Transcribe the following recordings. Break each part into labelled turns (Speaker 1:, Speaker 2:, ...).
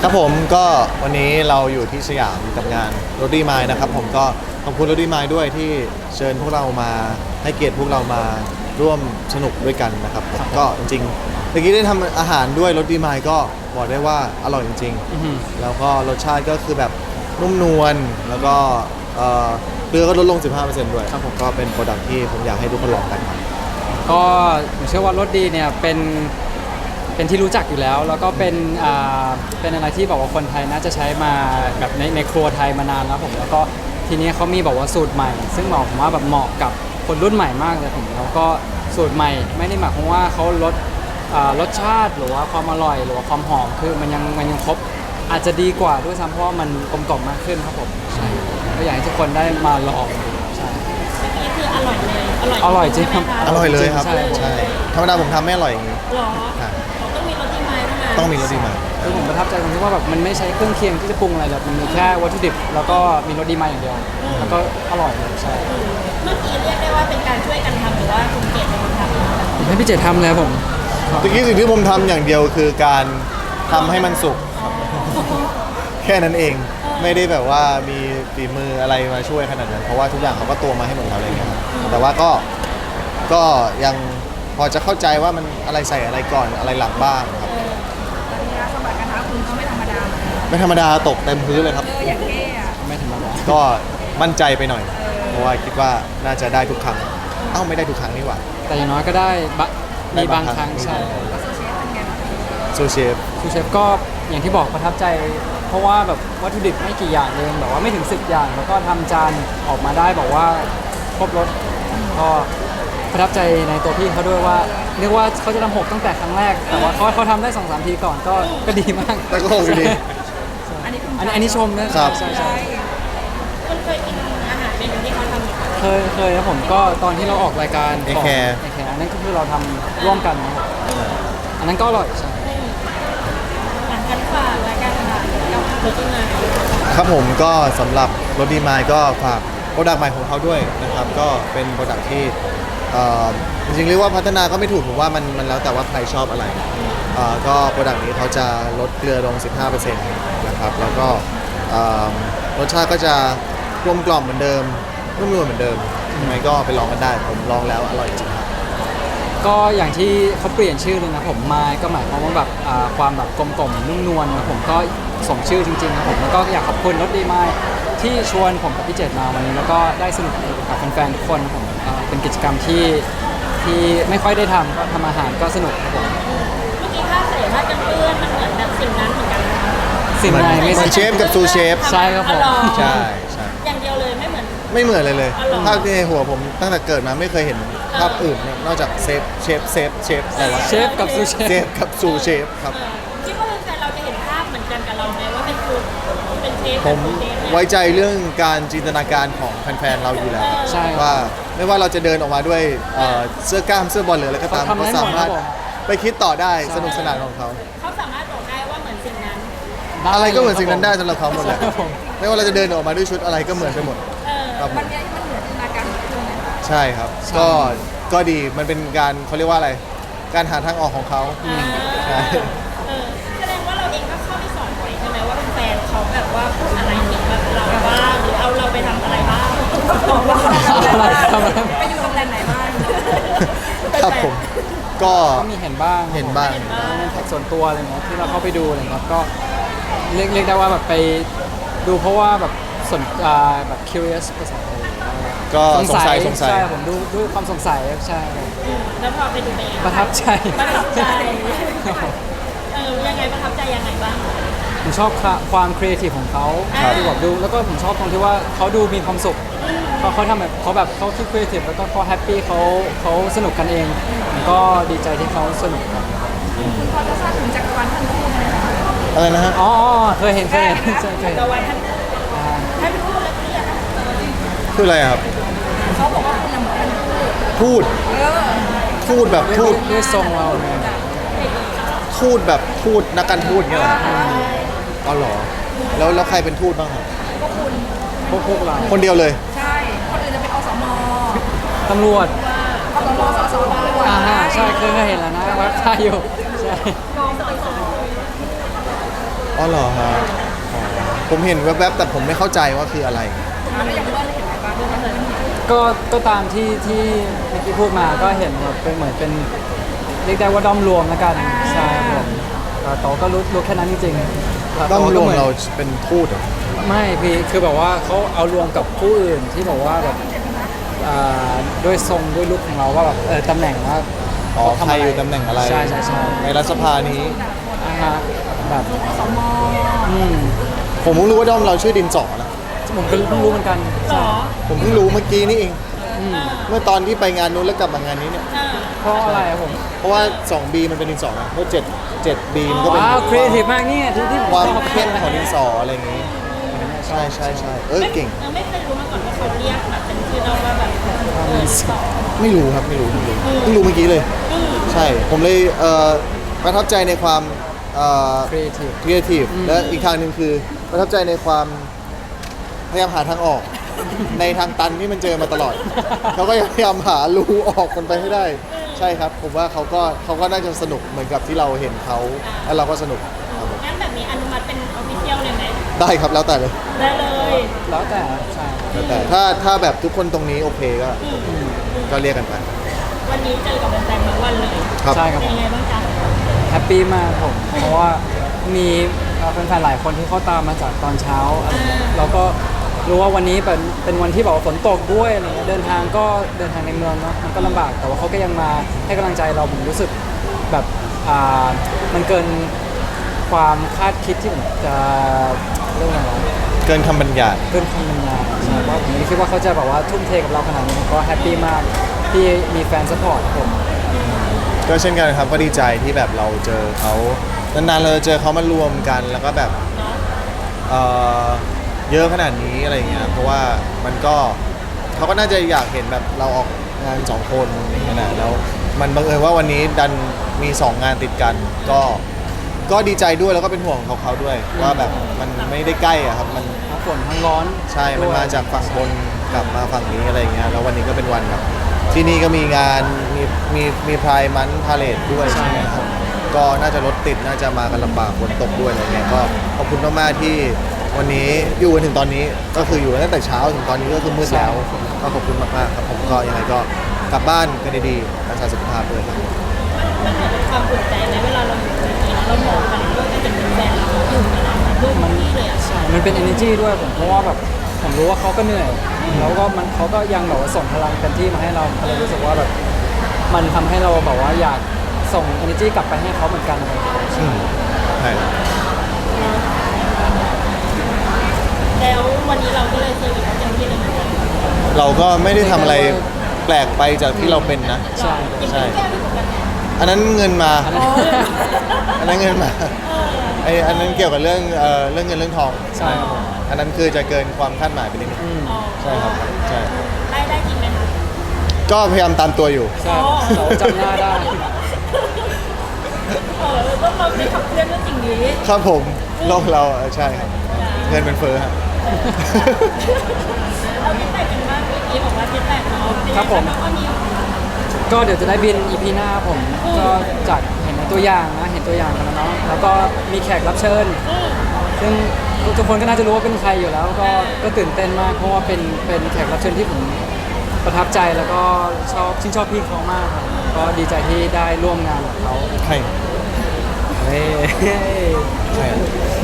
Speaker 1: ครับผมก็วันนี้เราอยู่ที่สยามกับงานรถดีมายนะครับผมก็ขอบคุณรถดีมายด้วยที่เชิญพวกเรามาให้เกียรติพวกเรามาร่วมสนุกด้วยกันนะครับผมก็จริงๆเมื่อกี้ได้ทำอาหารด้วยรถดีมายก็บอกได้ว่าอร่อยจริงๆแล้วก็รสชาติก็คือแบบนุ่มนวลแล้วก็เกลือก็ลดลง 15% ด้วยครับผมก็เป็นโปรดักที่ผมอยากให้ทุกคนลองกันครับ
Speaker 2: ก็ผมเชื่อว่ารสดีเนี่ยเป็นที่รู้จักอยู่แล้วแล้วก็เป็นอะไรที่บอกว่าคนไทยน่าจะใช้มาแบบในครัวไทยมานานแล้วผมแล้วก็ทีนี้เขามีบอกว่าสูตรใหม่ซึ่งผมว่าแบบเหมาะกับคนรุ่นใหม่มากเลยผมแล้วก็สูตรใหม่ไม่ได้หมายความว่าเขาลดรสชาติหรือว่าความอร่อยหรือว่าความหอมคือมันยังครบอาจจะดีกว่าด้วยซ้ำเพราะว่ามันกลมกล่อมมากขึ้นครับผมใช่ก็อยากให้ทุกคนได้มาลองใช่
Speaker 3: นี่คืออร่อยเลย
Speaker 2: อร่อยจริงครับ
Speaker 1: อร่อยเลยครับ
Speaker 2: ใช่
Speaker 1: ใช่ธรรมดาผมทำไม่อร่อยอย่างนี้
Speaker 3: หรอต้องมีรสดีมายเท่านั้น
Speaker 1: ต้องมีรสดีมาย
Speaker 2: คือผมประทับใจตรงที่ว่าแบบมันไม่ใช้เครื่องเคียงที่จะปรุงอะไรเลยมันมีแค่วัตถุดิบแล้วก็มีรสดีมายอย่างเดียวแล้วก็อร่อยเลยใช่
Speaker 3: เมื่อกี้เรียกได้ว่าเป็นการช่วยกันทำหรือว่าคุณเกดเป็นคนทำ
Speaker 2: ผมให้พี่เจทำเลยผม
Speaker 1: เมื่อกี้สิ่งที่ผมทำอย่างเดียวคือการทำให้มันสุกแค่นั้นเองไม่ได้แบบว่ามีฝีมืออะไรมาช่วยขนาดนั้นเพราะว่าทุกอย่างเขาก็ตัวมาให้หมดแล้วอะไรเงี้ยครับแต่ว่าก็ยังพอจะเข้าใจว่ามันอะไรใส่อะไรก่อนอะไรหลังบ้างครับ
Speaker 3: สมบัติกระทะคุณก็ไม่ธรรมดา
Speaker 1: ไม่ธรรมดาตกเต็มพื้นเลยครับ
Speaker 3: อย่างเท่อะ
Speaker 2: ไม่ธรรมดา
Speaker 1: ก็มั่นใจไปหน่อยเพราะว่าคิดว่าน่าจะได้ทุกครั้งไม่ได้ทุกครั้งนี่หว่า
Speaker 2: แต่อย่างน้อยก็ได้มีบางครั้งใช่
Speaker 1: ซูเชฟ
Speaker 2: ก็อย่างที่บอกประทับใจเพราะว่าแบบวัตถุดิบไม่กี่อย่างเองแบบว่าไม่ถึง10อย่างแล้วก็ทำจานออกมาได้บอกว่าครบรสก็ประทับใจในตัวพี่เขาด้วยว่าเรียกว่าเขาจะทำ6ตั้งแต่ครั้งแรกแต่ว่าเขาทำได้ 2-3 ทีก่อนก็ดีมาก
Speaker 1: แต่ก็คงดี
Speaker 2: อันนี้ชมนะครับใช่
Speaker 3: คุณเคยกินอาหารเมนูที่เขาทำไหมคะ
Speaker 2: เคยครับผมก็ตอนที่เราออกรายการ
Speaker 1: ของ
Speaker 2: อันนั้นก็คือเราทำร่วมกันอันนั้นก็อร่อยใช่
Speaker 3: กันฝากรายการอาหารกับรถดีมาย
Speaker 1: ครับผมก็สำหรับรถดีมายก็ฝากโปรดักต์ใหม่ของเขาด้วยนะครับก็เป็นโปรดักต์ที่จริงๆเรียกว่าพัฒนาก็ไม่ถูกผมว่ามันแล้วแต่ว่าใครชอบอะไรก็โปรดักต์นี้เขาจะลดเกลือลง 15% นะครับแล้วก็รสชาติก็จะกลมกล่อมเหมือนเดิมนุ่มนวลเหมือนเดิมยังไงก็ไปลองกันได้ผมลองแล้วอร่อยจริงครับ
Speaker 2: ก็อย่างที่เขาเปลี่ยนชื่อเลยนะผมมายก็หมายความว่าแบบความแบบกลมกล่อมนุ่มนวลนะผมก็สมชื่อจริงๆครับผมแล้วก็อยากขอบคุณรถดีมายที่ชวนผมกับพี่เจตมาวันนี้แล้วก็ได้สนุกกับแฟนๆทุกคนผมเป็นกิจกรรมที่ไม่ค่อยได้ทำก็ทำอาหารก็สนุกครับผม
Speaker 3: เมื่อกี้ถ้าใส่ผ้ากันเปื้อนมันเหมือนแบบสิ่งนั้นเหมือนกันนะคะ
Speaker 2: สิ่งไหน
Speaker 1: ไม่เหมือนเชฟกับซูเชฟ
Speaker 2: ใช่ครับผม
Speaker 1: ใช่
Speaker 3: อย่างเดียวเลยไม่เหมือน
Speaker 1: เลยภาพในหัวผมตั้งแต่เกิดมาไม่เคยเห็นภาพอื่นนอกจากเชฟอะไรวะ
Speaker 2: เชฟกับซูเชฟ
Speaker 1: ครับ
Speaker 3: คิดว่าแฟนเราจะเห็นภาพเหมือนกันกับเราไหมว่าเป็นซูเป็นเชฟ
Speaker 1: ผมไว้ใจเรื่องการจินตนาการของแฟนๆเราอยู่แล้วว่าไม่ว่าเราจะเดินออกมาด้วยเสื้อกล้ามเสื้อบอลหรืออะไรก็ตามเขาสามารถไปคิดต่อได้สนุกสนานของเขา
Speaker 3: สามารถบอกได้ว่าเหมือนสิ่งนั้น
Speaker 1: อะไรก็เหมือนสิ่งนั้นได้สำหรับเขาหมดเลยไม่ว่าเราจะเดินออกมาด้วยชุดอะไรก็เหมือนไปหมด
Speaker 3: มันเหมือนจินตนาการของคุณ
Speaker 1: ใช่ครับก็ดีมันเป็นการเขาเรียกว่าอะไรการหาทางออกของเขา
Speaker 3: แสดงว่าเราเองก็เข้าไปสอนไว้ใช่ไหมว่าแฟนเขาแบบว่าพูดอะไรเกี่ยวกับเราบ้างหรือเอาเราไปทำอะไรบ้างไปอยู่ตำแหน่งไหนบ้าง
Speaker 1: ครับผมก็
Speaker 2: มีเห็นบ้างในแท็กส่วนตัวอะไรเงี้ยที่เราเข้าไปดูอะไรเงี้ยก็เรียกได้ว่าแบบไปดูเพราะว่าแบบสนแบบ curious ภาษาไทย
Speaker 1: ก็สงสัย
Speaker 2: ใช่ผมดูความสงสัยใช่
Speaker 3: แล้วพอไปดูไป
Speaker 2: ประทับใจ
Speaker 3: ยังไงประทับใจยังไงบ้าง
Speaker 2: ผมชอบความครีเอทีฟของเขาที่แบบดูแล้วก็ผมชอบตรงที่ว่าเขาดูมีความสุขเขาทำแบบเขาคิดครีเอทีฟแล้วก็เขาแฮปปี้เขาสนุกกันเองผมก็ดีใจที่เขาสนุกครับ
Speaker 3: คุณพอจะทราบถึงจักรวาลท่านคู่ไหมคะ
Speaker 1: อะไรนะฮะ
Speaker 2: เคยเห็น
Speaker 3: จักรวาลท่านคู่ให้ไปพูดแล้วเนี่ย
Speaker 1: คืออะไรครับ
Speaker 3: เขาบอกว่าคุณเหมือนท่าน
Speaker 1: พูดแบบพูด
Speaker 2: ด้วยทรงเราเนี่ย
Speaker 1: พูดแบบพูดนักการทูตเงี้ยเหรออ๋อเหรอแล้วใครเป็นทูตบ้างครับ
Speaker 2: พวกเรา
Speaker 1: คนเดียวเลย
Speaker 3: ใช่คนอื่นจะเป็นอสม.
Speaker 2: ตำรวจ
Speaker 3: อสม.สส.ตำรวจ
Speaker 2: ใช่เคยเห็นแล้วนะว่าใช่อยู่ใช่
Speaker 1: อ๋อเหรอฮะอ๋อผมเห็นแวบๆแต่ผมไม่เข้าใจว่าคืออะไร
Speaker 2: ก็ตามที่เมื่อกี้พูดมาก็เห็นแบบเป็นเหมือนเป็นเรียกได้ว่าด้อมรวมแล้วกันใช่ครับผมโตก็รู้แค่นั้นจริงๆแล้ว
Speaker 1: ต้อง
Speaker 2: โต
Speaker 1: ร
Speaker 2: ก็
Speaker 1: วม
Speaker 2: หอน
Speaker 1: เราเป็นทูตเหรอ
Speaker 2: ไม่พี่คือแบบว่าเขาเอารวมกับผู้อื่นที่บอกว่าแบบอ่ด้วยทรงด้วยลุคของเราว่าแบบตำแหน่งว่า
Speaker 1: อ๋อ
Speaker 2: เขา
Speaker 1: ใคร
Speaker 2: ทำะ
Speaker 1: อยู่ตำแหน่งอะไร
Speaker 2: ใช่ใช่
Speaker 1: ในรัฐสภานี้
Speaker 2: อ่าฮะแบบอืม
Speaker 1: ผมเพิ่งรู้ว่าด้อมเราชื่อดินสอนะ
Speaker 2: ผมก็เพิ่งรู้เหมือนกัน
Speaker 3: หรอ
Speaker 1: ผมเพิ่งรู้เมื่อกี้นี่เอง
Speaker 2: อืม
Speaker 1: เมื่อตอนที่ไปงานนู้นแล้วกลับมางานนี้เนี่ย
Speaker 2: เพราะอะไรอะผม
Speaker 1: เพราะว่า 2B มันเป็นดินสอนะเพราะ7B มันก็เป็น
Speaker 2: ว้าวครีเอทีฟมากเนี่ยที่ผม
Speaker 1: ความ
Speaker 2: ชอบ
Speaker 1: เข้มของดินสออะไรอย่างงี้ ใช่ใช่ใช่เก่ง
Speaker 3: ไม่เคยรู้มาก่อนว่าเขาเรียกแบบเป็นชื่อเราว่าแบบสอง
Speaker 1: ไม่รู้ครับไม่รู้เพิ่งรู้เมื่อกี้เลย ใช่ ผมเลยประทับใจในความ
Speaker 2: ครีเอทีฟ
Speaker 1: ครีเอทีฟและอีกทางหนึ่งคือประทับใจในความพยายามหาทางออก ในทางตันที่มันเจอมาตลอด เขาก็พยายามหารูออกมันไปให้ได้ ใช่ครับ ผมว่าเขาก็น่าจะสนุกเหมือนกับที่เราเห็นเขาแล้วเราก็สนุกครับผม
Speaker 3: งั้นแบบนี้อนุมัติเป็นออฟฟิเชียลเลยไหม
Speaker 1: ได้ครับแล้วแต่เลย
Speaker 3: ได้เลย
Speaker 2: แล้วแต่ใช่
Speaker 1: แล้วแต่ถ้าแบบทุกคนตรงนี้โอเคก็เรียกกันไป
Speaker 3: วันนี้เจอกับแฟนๆทั้งวันเลย
Speaker 1: ครับ
Speaker 2: ใช่ครับ
Speaker 3: เป็นยังไงบ้างจ๊ะ
Speaker 2: แฮปปี้มากผมเพราะว่ามีแฟนๆหลายคนที่เขาตามมาจากตอนเช้าอะไรเงี้ยเราก็รู้ว่าวันนี้เป็นวันที่แบบว่าฝนตกด้วยอะไรเงี้ยเดินทางในเมืองเนาะมันก็ลำบากแต่ว่าเขาก็ยังมาให้กำลังใจเราผมรู้สึกแบบมันเกินความคาดคิดที่ผมจะเรื่องอะไรวะ
Speaker 1: เกินคำบรรยาย
Speaker 2: เกินคำบรรยายใช่เพราะผมไม่คิดว่าเขาจะแบบว่าทุ่มเทกับเราขนาดนี้ผมก็แฮปปี้มากที่มีแฟนซัพพอร์ตผม
Speaker 1: ก็เช่นกันครับก็ดีใจที่แบบเราเจอเขานานๆเราเจอเขามารวมกันแล้วก็แบบเอ่อเยอะขนาดนี้อะไรอย่างเงี้ยเพราะว่ามันก็เขาก็น่าจะอยากเห็นแบบเราออกงาน2คนอย่างเงี้ยนะแล้วมันบังเอิญว่าวันนี้ดันมี2งานติดกันก็ดีใจด้วยแล้วก็เป็นห่วงเขาด้วยว่าแบบมันไม่ได้ใกล้อะครับมัน
Speaker 2: ทั้งฝนทั้งร้อน
Speaker 1: ใช่ มันมาจากฝั่งบนกลับมาฝั่งนี้อะไรอย่างเงี้ย แล้ววันนี้ก็เป็นวันแบบที่นี่ก็มีงานมีพายมันพาเลทด้วยใช่ไหมครับ ก็น่าจะรถติดน่าจะมากันลำบากฝนตกด้วยอะไรเงี้ย ก็ขอบคุณมากๆที่วันนี้อยู่กันถึงตอนนี้ก็คืออยู่ตั้งแต่เช้าถึงตอนนี้ก็คือมืดแล้ว ก็ขอบคุณมากๆครับผมก็ยังไงก็กลับบ้านกันดีๆรักษาสุขภาพด้วยครับ
Speaker 3: มันเหมือนเป็นความอุ่นใจไหมเวลาเราอยู่ในนี้แล้วเรามองกันด้วยกันเป็นแฟนเราอยู่กับเราด้วยมันนี่เลยอ่ะ
Speaker 2: ใช่มันเป็น energy ด้วยผมเพราะว่าแบบผมรู้ว่าเขาก็เหนื่อย แล้วก็เขาก็ยังแบบว่าส่งพลังเต็มที่มาให้เราก็เลยรู้สึกว่าแบบมันทำให้เราแบบว่าอยากส่ง energy กลับไปให้เขาเหมือนกันอะไรอย่างเงี้ย
Speaker 1: ใช่ครับ
Speaker 3: แล้ววันนี้เราก็เลยเซอร์วิสเขาเต็มที่เลยเหมือนกัน
Speaker 1: เราก็ไม่ได้ทำอะไรแปลกไปจากที่เราเป็นนะ
Speaker 2: ใช่
Speaker 1: ใช่
Speaker 3: แก้ไม่เหมือนกัน
Speaker 1: อันนั้นเงินมา
Speaker 2: อันนั้น
Speaker 1: อันนั้นเงินมาอันนั้นเกี่ยวกับเรื่องเงินเรื่องทอง
Speaker 2: ใช่ครับผม
Speaker 1: อันนั้นคือจะเกินความคาดหมายไปนิดนึง
Speaker 2: อืม
Speaker 1: ใช่ครับใช่
Speaker 3: ได้จริงไหมคะ
Speaker 1: ก็พยายามตามตัวอยู่
Speaker 2: ใช่เราจำหน้าได้
Speaker 3: ต้องเราได้ขับเคลื่อนเรื่องสิ่งนี้
Speaker 1: ครับผมโลกเราใช่ครับ เงินเป็นเฟ้อฮะ
Speaker 3: เราที่แต่งกันบ้างเมื่อกี้บอกว่าที่แต่งเนาะเป็นยังไง
Speaker 2: ครับผม
Speaker 3: แล้วก็มี
Speaker 2: ก็เดี๋ยวจะได้บิน EP หน้าผมก็จากเห็นในตัวอย่างนะเห็นตัวอย่างกันแล้วเนาะแล้วก็มีแขกรับเชิญ ซึ่งทุกคนก็น่าจะรู้ว่าเป็นใครอยู่แล้วก็ตื่นเต้นมากเพราะว่าเป็นแขกรับเชิญที่ผมประทับใจแล้วก็ชื่นชอบพี่เขามากครับก็ดีใจที่ได้ร่วมงานกับเขา
Speaker 1: ใคร
Speaker 2: เฮ้ย
Speaker 1: ใคร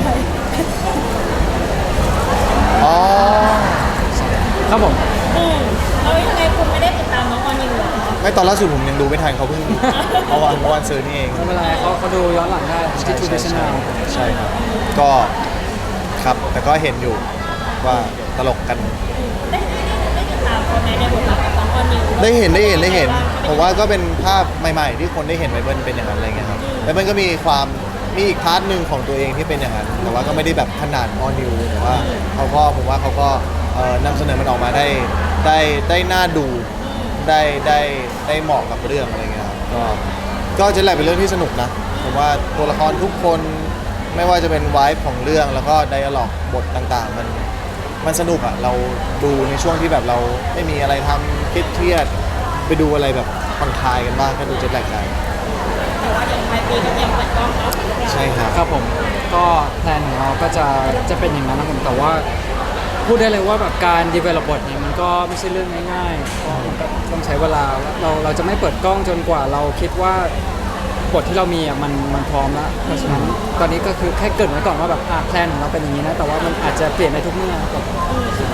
Speaker 1: อ๋อ
Speaker 2: ครับผม
Speaker 3: แล้วยังไงคุณไม่ได้ติดตามน้องออนิวเหรอ
Speaker 1: ไม่ตอนล่าสุดผมยังดูไม่ทันเขาเพิ่งเมื่อวันซื้อนี่เอง
Speaker 2: ไม่เป็นไรเขาดูย้อนหลังได้ที่ทูดิชแนล
Speaker 1: ใช่ครับ ก็ครับแต่ก็เห็นอยู่ว่าตลกกัน
Speaker 3: ได้ติดตามเขาไหมในบทบาทกับน้องออนิว
Speaker 1: ได้เห็นผมว่าก็เป็นภาพใหม่ๆ ที่คนได้เห็นไบเบิลเป็นอย่างนั้นอะไรเงี้ยครับแล้วมันก็มีอีกพาร์ทหนึ่งของตัวเองที่เป็นอย่างนั้นแต่ว่าก็ไม่ได้แบบขนาดออนิวแต่ว่าผมว่าเขาก็นำเสนอมันออกมาได้น่าดูได้เหมาะกับเรื่องอะไรเงี้ยครับก็จะแหละเป็นเรื่องที่สนุกนะผมว่าตัวละครทุกคนไม่ว่าจะเป็นไวฟ์ของเรื่องแล้วก็ไดอะล็อกบทต่างๆมันสนุกอะเราดูในช่วงที่แบบเราไม่มีอะไรทำเครียดๆไปดูอะไรแบบผ่อนคลายกันบ้างก็ดูเจ็ตแลกกัน
Speaker 3: แต่ว่าเดี๋ยวปลายปีก็เตรียมเปิดกล้องเนาะ
Speaker 1: ใช่ครับ
Speaker 2: ครับผม
Speaker 3: เ
Speaker 2: ก็แพลนของเราก็จะเป็นอย่างนั้นนะผมแต่ว่าพูดได้เลยว่าแบบการ develop บทเนี่ยมันก็ไม่ใช่เรื่องง่ายๆเพราะมันก็ต้องใช้เวลาเราจะไม่เปิดกล้องจนกว่าเราคิดว่าบทที่เรามีอ่ะมันพร้อมแล้วเพราะฉะนั้นตอนนี้ก็คือแค่เกริดไว้ก่อนว่าแบบแพลนของเราเป็นอย่างนี้นะแต่ว่ามันอาจจะเปลี่ยนได้ทุกเมื่อครับ